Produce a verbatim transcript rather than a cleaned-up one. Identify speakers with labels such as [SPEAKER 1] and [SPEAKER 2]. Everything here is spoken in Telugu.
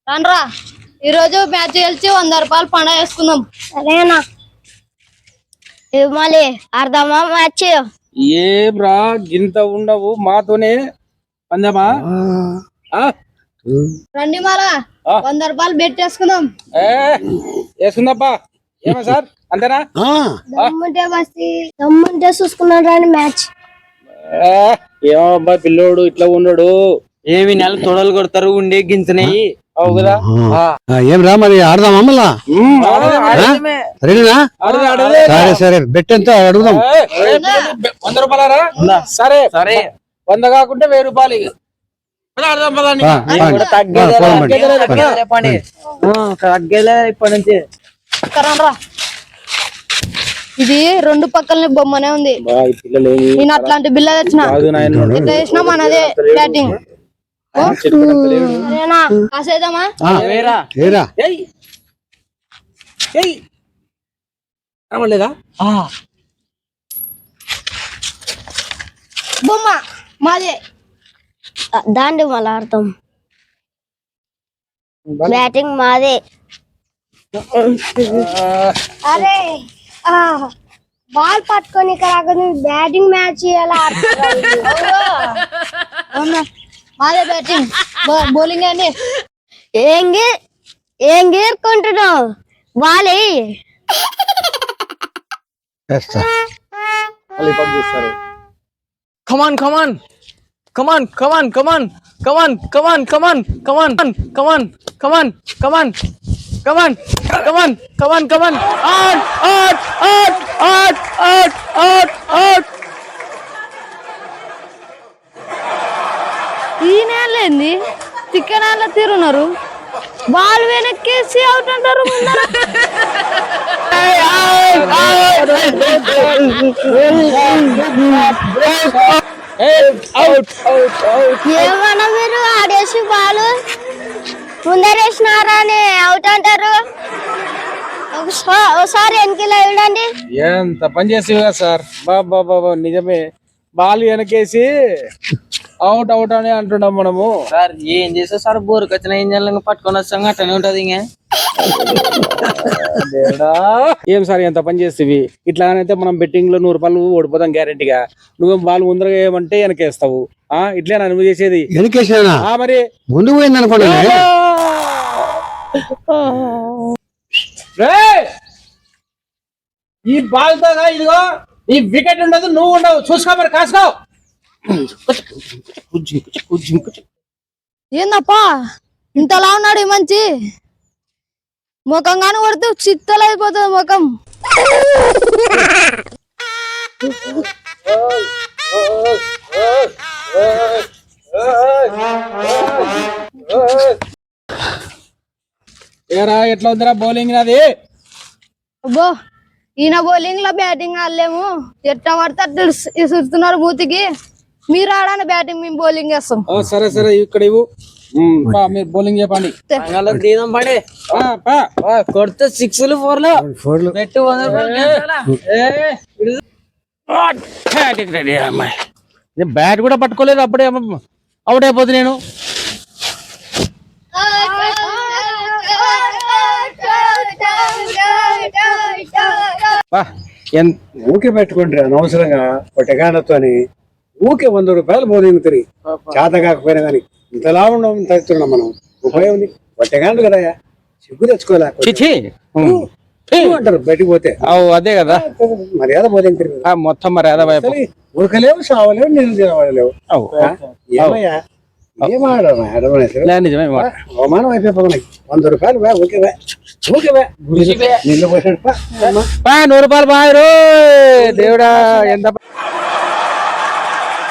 [SPEAKER 1] రండ్రా ఈరోజు మ్యాచ్ గెలిచి వంద రూపాయలు పండుగ చేసుకుందాం.
[SPEAKER 2] సరేనా మళ్ళీ అర్ధమా మ్యాచ్
[SPEAKER 3] ఏం రా గింత ఉండవు మాతోనే పందమా
[SPEAKER 1] రండి మారా వంద రూపాయలు బెట్ చేసుకుందాం.
[SPEAKER 3] వేసుకుందాపా ఏమో సార్ అంతేనా?
[SPEAKER 2] దమ్ముంటే బస్తి దమ్ముంటే చూసుకున్నాడు రాని మ్యాచ్.
[SPEAKER 3] ఏమో అబ్బా పిల్లోడు ఇట్లా ఉన్నాడు.
[SPEAKER 4] ఏమి నెల తొడలు కొడతారు ఉండే గింతనయి
[SPEAKER 3] అవు కదా.
[SPEAKER 5] ఏం రా మరి ఆడదాం అమ్మలా సరేనా? సరే సరే బెట్ ఎంత అడుగుదాం.
[SPEAKER 3] వంద రూపాయలరా? సరే సరే వంద కాకుంటే వెయ్యి రూపాయలు
[SPEAKER 4] తగ్గేలే ఇప్పటి నుంచి.
[SPEAKER 1] ఇది రెండు పక్కలనే బొమ్మనే ఉంది. నేను అట్లాంటి బిల్ల తెచ్చిన ఎట్లా చేసినా మనదే బ్యాటింగ్. సరేనా కాసేద్దామా?
[SPEAKER 3] లేదా
[SPEAKER 1] బొమ్మ మాదే.
[SPEAKER 2] దాండి మళ్ళీ ఆడతాం. బ్యాటింగ్ మాదే. అరే బాల్ పట్టుకొని ఇక్కడ బ్యాటింగ్ మ్యాచ్ ఎలా
[SPEAKER 1] మాదే బ్యాటింగ్ బౌలింగ్ అండి.
[SPEAKER 2] ఏం ఏం గీరుకుంటున్నావు బాలే
[SPEAKER 3] చూస్తారు.
[SPEAKER 4] Come on come on come on come on come on come on come on come on come on come on come on come on come on come on come on come on out out out out out out out.
[SPEAKER 1] ఈ నేలేంది చికెన్ తీరున్నారు. బాల్ వెనక్కేసి అవుట్ అంటారు.
[SPEAKER 2] ఏమన్నా మీరు ఆడేసి బాలు ముందరేసినారా అని అవుట్ అంటారు. ఒకసారి వెనకలా ఇవ్వండి.
[SPEAKER 3] ఎంత పని చేసేవి కదా సార్. బాబా బాబా నిజమే బాల్ వెనకేసి అవుట్ అవుట్ అని అంటున్నాం మనము.
[SPEAKER 4] సార్ ఏం చేస్తా సార్ బోరుకు వచ్చిన ఏం చేయాలి పట్టుకొని వచ్చాం అట్టనే ఉంటది. ఇంకా
[SPEAKER 3] ఏం సార్ ఎంత పని చేస్తేవి ఇట్లానైతే మనం బెట్టింగ్ లో నూరు రూపాయలు ఓడిపోతాం గ్యారెంటీగా. నువ్వేం బాల్ ముందరగా ఏమంటే వెనకేస్తావు. ఆ ఇట్లేనా నువ్వు చేసేది?
[SPEAKER 5] వెనకేసినా
[SPEAKER 3] మరి
[SPEAKER 5] ముందు పోయింది అనుకోండి.
[SPEAKER 3] ఈ బాల్ తో ఇదిగో ఈ వికెట్ ఉండదు నువ్వు ఉండవు. చూసుకో మరి కాసుకో.
[SPEAKER 1] ఏందప్పా ఇంతలా ఉన్నాడు ఈ మంచి ముఖంగానే కొడితే చిత్తలు అయిపోతుంది ముఖం.
[SPEAKER 3] ఏరా ఎట్లా ఉందిరా బౌలింగ్ నాది?
[SPEAKER 1] అబ్బో ఈయన బౌలింగ్ లో బ్యాటింగ్ ఆడలేము. ఎట్లా పడితే అట్లా ఇస్తున్నారు మూతికి. మీరు ఆడాను బ్యాటింగ్ మేము బౌలింగ్ చేస్తాం.
[SPEAKER 3] సరే సరే ఇక్కడ ఇవ్వు. మీరు బౌలింగ్ చెప్పండి.
[SPEAKER 4] దీనం పడే కొడితే సిక్స్లు ఫోర్లు పెట్టు
[SPEAKER 3] బ్యాట్ కూడా పట్టుకోలేదు అప్పుడే అవుట్ అయిపోతుంది. నేను
[SPEAKER 5] ఊకే పెట్టుకుంటారు అనవసరంగా ఒట్టగానతో అని ఊకే వంద రూపాయలు బౌలింగ్ తిరిగి చేత కాకపోయినా కానీ ఇంతలా ఉండడం తగ్గుతున్నాం మనం. ఉపయోగం ఉంది ఒట్టగాను కదా సిగ్గు తెచ్చుకోలే అంటారు బయటికి పోతే.
[SPEAKER 3] అదే కదా
[SPEAKER 5] మర్యాద బౌలింగ్ తిరిగి
[SPEAKER 3] మొత్తం మర్యాద
[SPEAKER 5] ఉడకలేవు సావలేవు నీళ్ళు తినవలేవు. ఏమయ్యా
[SPEAKER 3] నిజమే
[SPEAKER 5] అవమానం అయిపోయి వంద రూపాయలు బా ఓకే బా ఓకే బా నీళ్ళు పోసాడు
[SPEAKER 3] నూరు రూపాయలు బాయ్ దేవుడా ఎంత